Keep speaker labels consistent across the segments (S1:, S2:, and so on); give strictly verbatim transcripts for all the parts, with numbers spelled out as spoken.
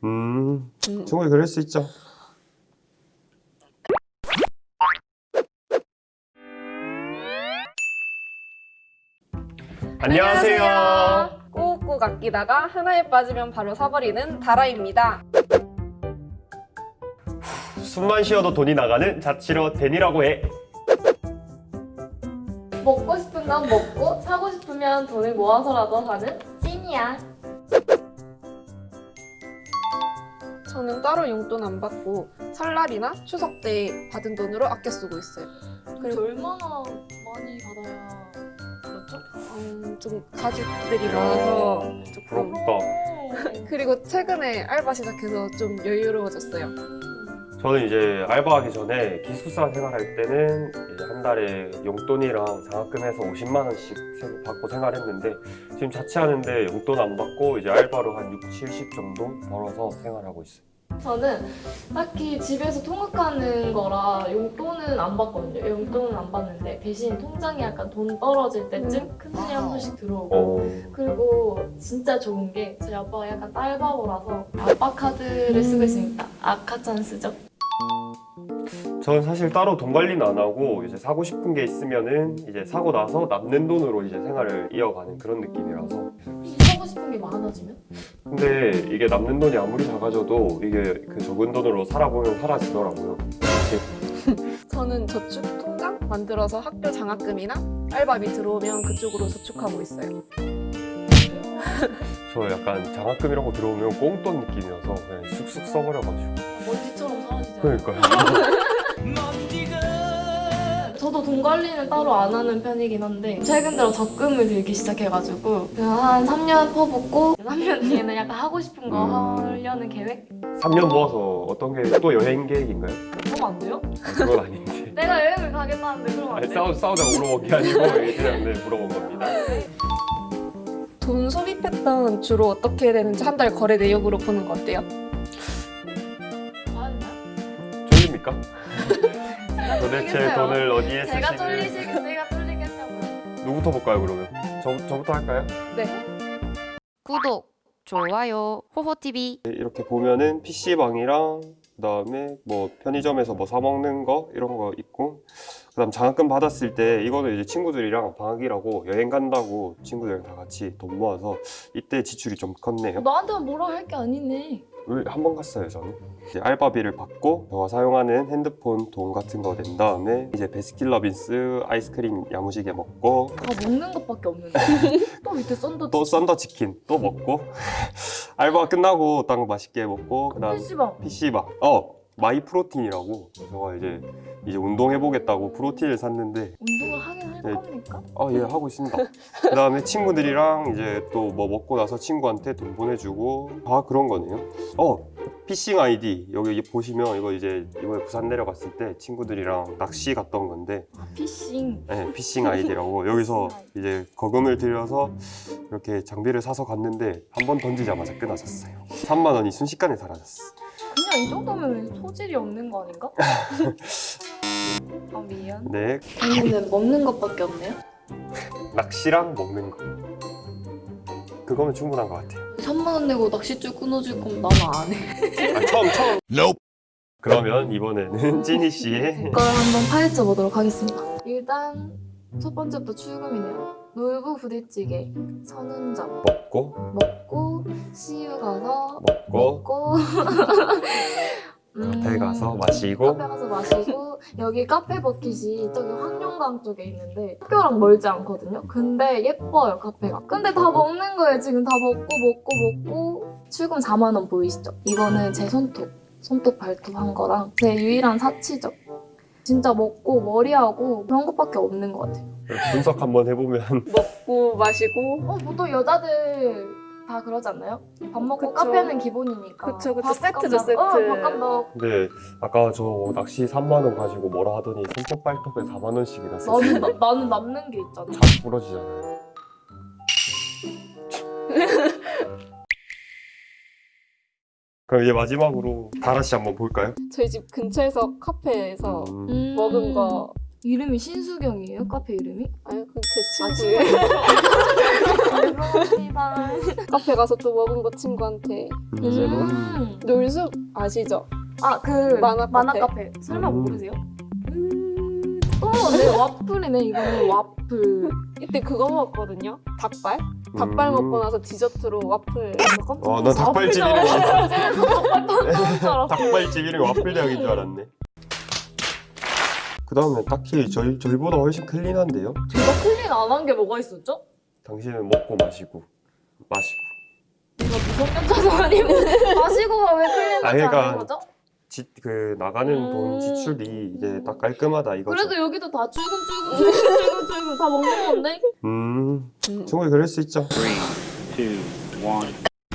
S1: 음,
S2: 음.
S1: 충분히 그럴 수 있죠. 안녕하세요.
S2: 꾹꾹 아끼다가 하나에 빠지면 바로 사버리는 다라입니다.
S1: 숨만 쉬어도 돈이 나가는 자취로 데니라고 해.
S3: 먹고 싶은 건 먹고 사고 싶으면 돈을 모아서라도 사는 찐이야.
S2: 저는 따로 용돈 안 받고 설날이나 추석 때 받은 돈으로 아껴 쓰고 있어요.
S3: 그리고 얼마나 많이 받아야 그렇죠?
S2: 음, 좀 가족들이 많아서 조금.
S1: 부럽다.
S2: 그리고 최근에 알바 시작해서 좀 여유로워졌어요.
S1: 저는 이제 알바하기 전에 기숙사 생활할 때는 이제 한 달에 용돈이랑 장학금해서 오십만 원씩 세- 받고 생활했는데 지금 자취하는데 용돈 안 받고 이제 알바로 한 육, 칠십 정도 벌어서 생활하고 있어요.
S3: 저는 딱히 집에서 통학하는 거라 용돈은 안 받거든요. 용돈은 안 받는데 대신 통장에 약간 돈 떨어질 때쯤 큰돈이 한 번씩 들어오고
S1: 어,
S3: 그리고 진짜 좋은 게 저희 아빠가 약간 딸바보라서 아빠 카드를 쓰고 있습니다. 아카찬스죠.
S1: 저는 사실 따로 돈 관리는 안 하고 이제 사고 싶은 게 있으면은 이제 사고 나서 남는 돈으로 이제 생활을 이어가는 그런 느낌이라서.
S3: 사고 싶은 게 많아지면?
S1: 근데 이게 남는 돈이 아무리 작아져도 이게 그 적은 돈으로 살아보면 사라지더라고요.
S2: 저는 저축 통장 만들어서 학교 장학금이나 알바비 들어오면 그쪽으로 저축하고 있어요.
S1: 저 약간 장학금 이런 거 들어오면 꽁돈 느낌이어서 그냥 쑥쑥 써버려가지고.
S3: 먼지처럼 사라지잖아요.
S1: 그러니까요.
S3: 저도 돈 관리는 따로 안 하는 편이긴 한데 최근 들어 적금을 들기 시작해가지고 그냥 한 삼 년 퍼붓고 삼 년 뒤에는 약간 하고 싶은 거
S1: 음.
S3: 하려는 계획?
S1: 삼 년 모아서 어떤 게 또 여행 계획인가요?
S3: 그럼 안 돼요?
S1: 아, 그건 아닌데.
S3: 내가 여행을 가겠다는데 그럼 안
S1: 아니,
S3: 돼요?
S1: 싸우, 싸우자고 물어본 게 아니고 그냥 네, 물어본 겁니다.
S2: 돈 소비 패턴 주로 어떻게 되는지 한 달 거래 내역으로 보는 거 어때요?
S3: 봐야 되나요?
S1: 졸립니까?
S3: 제가
S1: 도대체
S3: 쫄리겠어요.
S1: 돈을 어디에
S3: 제가
S1: 쓰시는?
S3: 쫄리시겠 제가 쫄리겠냐고요.
S1: 누구부터 볼까요 그러면? 저, 저부터 할까요?
S2: 네.
S4: 구독, 좋아요, 호호티비.
S1: 이렇게 보면은 피씨방이랑 그다음에 뭐 편의점에서 뭐 사 먹는 거 이런 거 있고 그다음 장학금 받았을 때 이거는 이제 친구들이랑 방학이라고 여행 간다고 친구들이랑 다 같이 돈 모아서 이때 지출이 좀 컸네요.
S3: 나한테는 뭐라 할 게 아니네.
S1: 한 번 갔어요 저는. 이제 알바비를 받고 저가 사용하는 핸드폰 돈 같은 거 낸 다음에 이제 베스킨라빈스 아이스크림 야무지게 먹고
S3: 다 먹는 것밖에 없는데 또 밑에 썬더
S1: 또 썬더 치킨 또 먹고 알바 끝나고 딱 맛있게 먹고 그다음
S3: 피시방
S1: 피씨방 어 마이 프로틴이라고 제가 이제 이제 운동해보겠다고 프로틴을 샀는데
S3: 운동을 하긴 할
S1: 네.
S3: 겁니까?
S1: 아 예 하고 있습니다. 그 다음에 친구들이랑 이제 또 뭐 먹고 나서 친구한테 돈 보내주고 다 그런 거네요. 어 피싱 아이디 여기 보시면 이거 이제 이번에 부산 내려갔을 때 친구들이랑 낚시 갔던 건데
S3: 아, 피싱.
S1: 네, 피싱 아이디라고 여기서 이제 거금을 들여서 이렇게 장비를 사서 갔는데 한 번 던지자마자 끊어졌어요. 삼만 원이 순식간에 사라졌어.
S3: 그냥 이 정도면 소질이 없는 거 아닌가? 아 미안.
S1: 네
S3: 저는 먹는 것밖에 없네요.
S1: 낚시랑 먹는 거 그거면 충분한 것 같아요.
S3: 삼만 원 내고 낚싯줄 끊어줄 거면 나는 안 해.
S1: 아, 처음 처음. 그러면 이번에는 찐이 씨의
S3: 그걸 한번 파헤쳐 보도록 하겠습니다. 일단 첫 번째부터 출금이네요. 놀부 부대찌개, 선운점
S1: 먹고
S3: 먹고 씨유 가서
S1: 먹고
S3: 먹고 음,
S1: 카페 가서 마시고
S3: 카페 가서 마시고 여기 카페 버킷이 저기 황룡강 쪽에 있는데 학교랑 멀지 않거든요. 근데 예뻐요 카페가. 근데 다 먹는 거예요. 지금 다 먹고 먹고 먹고 출금 사만 원 보이시죠? 이거는 제 손톱 손톱 발톱 한 거랑 제 유일한 사치죠. 진짜 먹고 머리하고 그런 것밖에 없는 것 같아요.
S1: 분석 한번 해보면
S2: 먹고 마시고.
S3: 어 보통 여자들 다 그러지 않나요? 밥 먹고
S2: 그쵸.
S3: 카페는 기본이니까.
S2: 그쵸, 그쵸.
S3: 밥값
S2: 세트죠,
S3: 나-
S2: 세트.
S3: 어, 밥값 넣고.
S1: 근데 아까 저 낚시 삼만 원 가지고 뭐라 하더니 손톱 발톱에 사만 원씩이나 썼어요.
S3: 나는, 나, 나는 남는 게 있잖아.
S1: 잘 부러지잖아요. 그럼 이제 마지막으로 다라 씨 한번 볼까요?
S2: 저희 집 근처에서 카페에서
S1: 음,
S3: 음.
S2: 먹은 거.
S3: 이름이 신수경이에요? 카페 이름이?
S2: 아니 그제
S3: 아,
S2: 친구예요.
S3: 죄송합니다.
S2: 카페 가서 또 먹은 거 친구한테
S3: 음.
S2: 놀숲 아시죠?
S3: 아, 그
S2: 만화
S3: 만화
S2: 카페.
S3: 카페. 설마
S1: 음.
S3: 모르세요? 음. 어, 네, 와플이네. 이거는 와플.
S2: 이때 그거 먹었거든요. 닭발. 닭발
S1: 음.
S2: 먹고 나서 디저트로 와플.
S1: 어, 난 닭발집 이름이
S3: 닭발
S1: 닭발집 이름이 와플 대학인 줄 알았네. 그 다음에 딱히 저희, 저희보다 훨씬 클린한데요?
S3: 제가 클린 안 한 게 뭐가 있었죠?
S1: 당신은 먹고 마시고 마시고
S3: 이거 무성견자도 아니고 마시고가 왜 클린하지
S1: 아, 그러니까
S3: 않은 거죠?
S1: 지, 그 나가는
S3: 음.
S1: 돈 지출이 이제 딱 깔끔하다 이거죠.
S3: 그래도 여기도 다 출근 출근 출근 출근 출근 다 먹는 건데?
S1: 음
S2: 음.
S1: 충분히 그럴 수 있죠.
S5: two, one.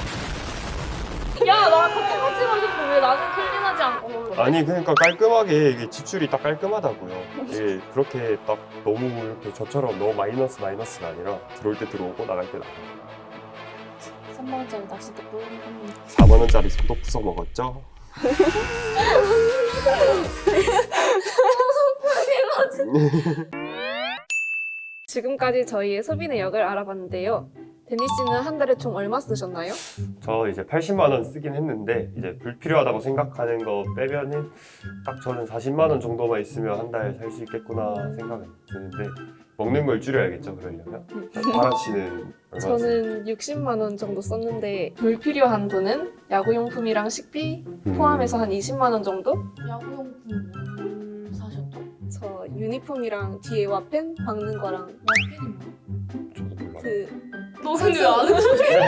S3: 야, 나 커피 같이 마셨는데 왜 나는 클린하지 않고 먹는
S1: 아니 그러니까 깔끔하게 이게 지출이 딱 깔끔하다고요. 이게 그렇게 딱 너무 이렇게 저처럼 너무 마이너스 마이너스가 아니라 들어올 때 들어오고 나갈 때 나가고.
S3: 삼만 원짜리 낚싯대 뿌리는
S1: 사만 원짜리 소독 부숴 먹었죠.
S2: 지금까지 저희의 소비 내역을 알아봤는데요. 데니 씨는 한 달에 총 얼마 쓰셨나요?
S1: 저 이제 팔십만 원 쓰긴 했는데 이제 불필요하다고 생각하는 거 빼면은 딱 저는 사십만 원 정도만 있으면 한 달 살 수 있겠구나 생각은 드는데 먹는 걸 줄여야겠죠 그러려면. 바라 씨는 얼마 쓰세요?
S2: 저는 육십만 원 정도 썼는데 불필요한 돈은 야구용품이랑 식비 포함해서 한 이십만 원 정도?
S3: 야구용품 뭘 사셨죠?
S2: 저 유니폼이랑 뒤에 와펜 박는 거랑
S3: 와펜이 뭐야?
S1: 저도 몰라요.
S2: 그
S3: 너 근데 왜 아는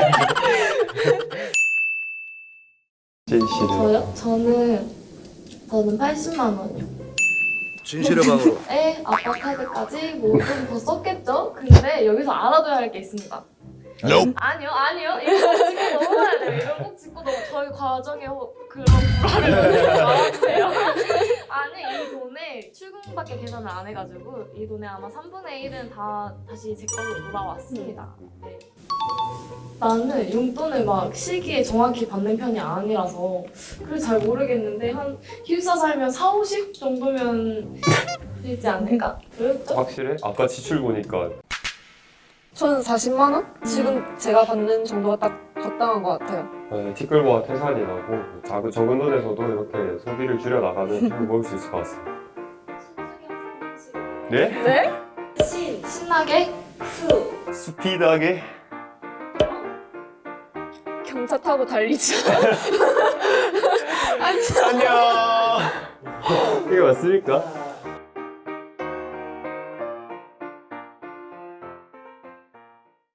S1: 제이 씨는
S3: 저요? 저는 저는 팔십만 원이요.
S5: 진실의 방으로.
S3: 에 아빠 카드까지 뭐 좀 더 썼겠죠? 근데 여기서 알아둬야 할 게 있습니다.
S5: Nope.
S3: 아니요, 아니요. 이거 꼭 짚고 넘어가야 돼요. 이걸 꼭 짚고 넘어. 저희 과정에 호- 그런 불화를 알아주세요. 아니 이 돈에 출금밖에 계산을 안 해가지고 이 돈에 아마 삼분의 일은 다 다시 제 걸로 돌아왔습니다. 네. 나는 용돈을 막 시기에 정확히 받는 편이 아니라서 그래서 잘 모르겠는데 한 기숙사 살면 사오십 정도면 되지 않을까? 그렇죠?
S1: 확실해? 아까 지출 보니까
S2: 저는 사십만 원? 지금 제가 받는 정도가 딱 적당한 것 같아요.
S1: 네, 티끌모아 태산이 나고 작은 적은 돈에서도 이렇게 소비를 줄여 나가면 충분히 먹을 수 있을 것 같습니다. 네?
S2: 네?
S3: 신 신나게 수
S1: 스피드하게
S2: 경차 타고 달리지.
S1: 안녕. 이게 맞습니까?